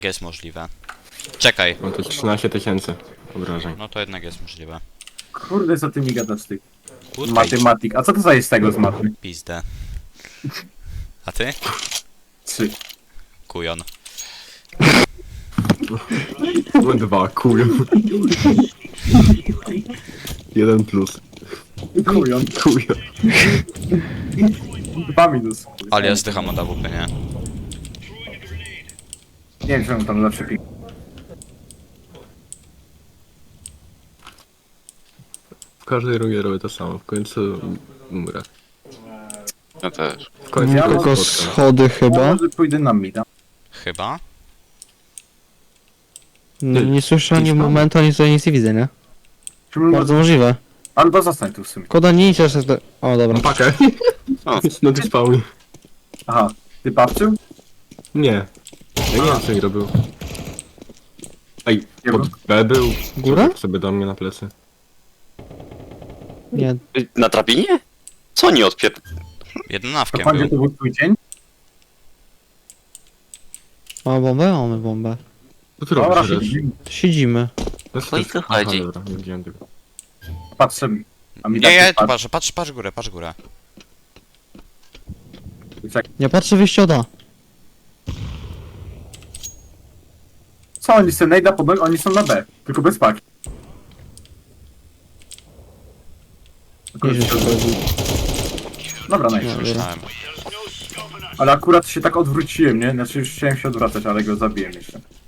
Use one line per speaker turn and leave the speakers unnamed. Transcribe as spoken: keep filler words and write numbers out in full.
Jest możliwe. Czekaj.
No to trzynaście tysięcy obrażeń.
No to jednak jest możliwe.
Kurde, co ty mi gadasz, ty?
Kurwa,
Matematik. A co to za jest z tego z matmy?
pizdę. A ty?
Trzy.
Kujon.
No dwa, kuj. Jeden plus.
Kujon.
Kuj.
Dwa minus.
Ale ja zdycham od A W P, nie?
Nie wiem, czemu tam zawsze pik.
W każdej rundzie robię to samo. W końcu umrę.
Ja też.
W końcu
Ja
kogoś
Tylko
spotkam.
schody
Ja
chyba.
może pójdę na mida.
Chyba?
Nie, nie słyszę ani
Gdzieś tam?
momentu, ani tutaj nic nie widzę, nie?
Czemu
Bardzo możliwe.
Albo zostań tu w sumie.
Koda nie idzie jeszcze. O, dobra.
Mam pakę.
O.
No ty spał.
Aha. Ty babciu?
Nie. Ja nie wiem co mi robił. Ej,
Nie
pod B był.
Góra?
Sobie do mnie na plecy.
Nie.
Na drabinie? Co oni odpier...
To
Jedenawkiem
pan, gdzie
był.
to był twój dzień?
Mamy bombę? Mamy bombę.
Co ty
Dobra,
robisz teraz?
siedzimy.
Siedzimy.
No
No i co chodzi?
Dobra, nie widziałem tego.
Patrzę. A mi
Nie,
tak
ja
nie
tu patrzę, patrz, patrz górę, patrz górę.
patrzę.
Nie patrzę wyjście od A.
Co oni sobie najda pod nogi? Oni są na B. Tylko bez paki.
Nie wiem, co chodzi.
Dobra,
No,
nice.
dobra.
Myślałem.
Ale akurat się tak odwróciłem, nie? Znaczy już chciałem się odwracać, ale go zabiłem jeszcze.